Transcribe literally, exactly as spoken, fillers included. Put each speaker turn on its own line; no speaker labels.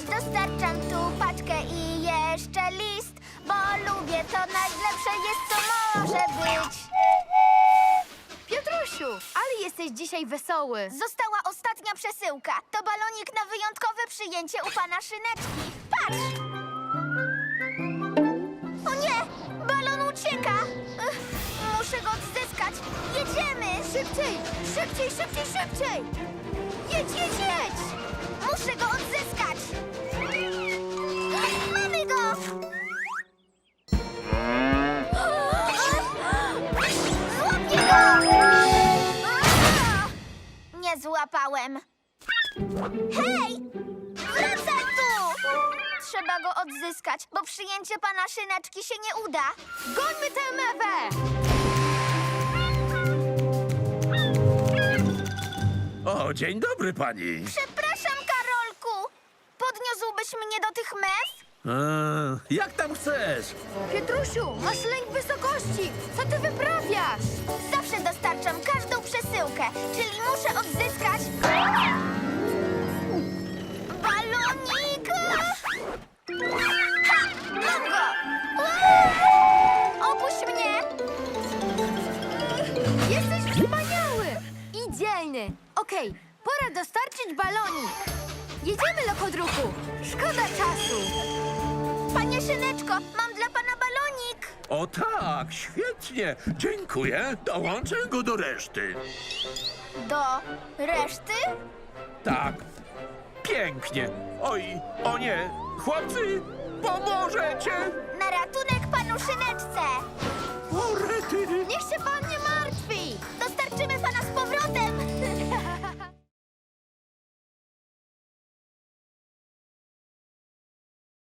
Dostarczam tu paczkę i jeszcze list, bo lubię, to najlepsze jest, co może być.
Piotrusiu, ale jesteś dzisiaj wesoły.
Została ostatnia przesyłka. To balonik na wyjątkowe przyjęcie u pana Szyneczki. Patrz! O nie! Balon ucieka! Ech, muszę go odzyskać. Jedziemy!
Szybciej, szybciej, szybciej, szybciej!
Jedź, jedź, jedź! Muszę go odzyskać! Mamy go! Złapię go! Nie złapałem. Hej! Wracaj tu! Trzeba go odzyskać, bo przyjęcie pana Szyneczki się nie uda.
Gońmy tę mewę!
O, dzień dobry pani.
Przepraszam, Karolku. Podniósłbyś mnie do tych mew?
A, jak tam chcesz?
Piotrusiu, masz lęk wysokości! Co ty wyprawiasz?
Zawsze dostarczam każdą przesyłkę, czyli muszę odzyskać... balonik! Ha! Mam go! Uuu! Opuść mnie!
Jesteś wspaniały! I dzielny. Okej, pora dostarczyć balonik. Jedziemy, lokodruku. Szkoda czasu.
Panie Szyneczko, mam dla pana balonik!
O tak, świetnie. Dziękuję. Dołączę go do reszty.
Do reszty?
Tak, pięknie. Oj, o nie, chłopcy, pomożecie.
Na ratunek panu Szyneczce!
O, rety.
Niech się pan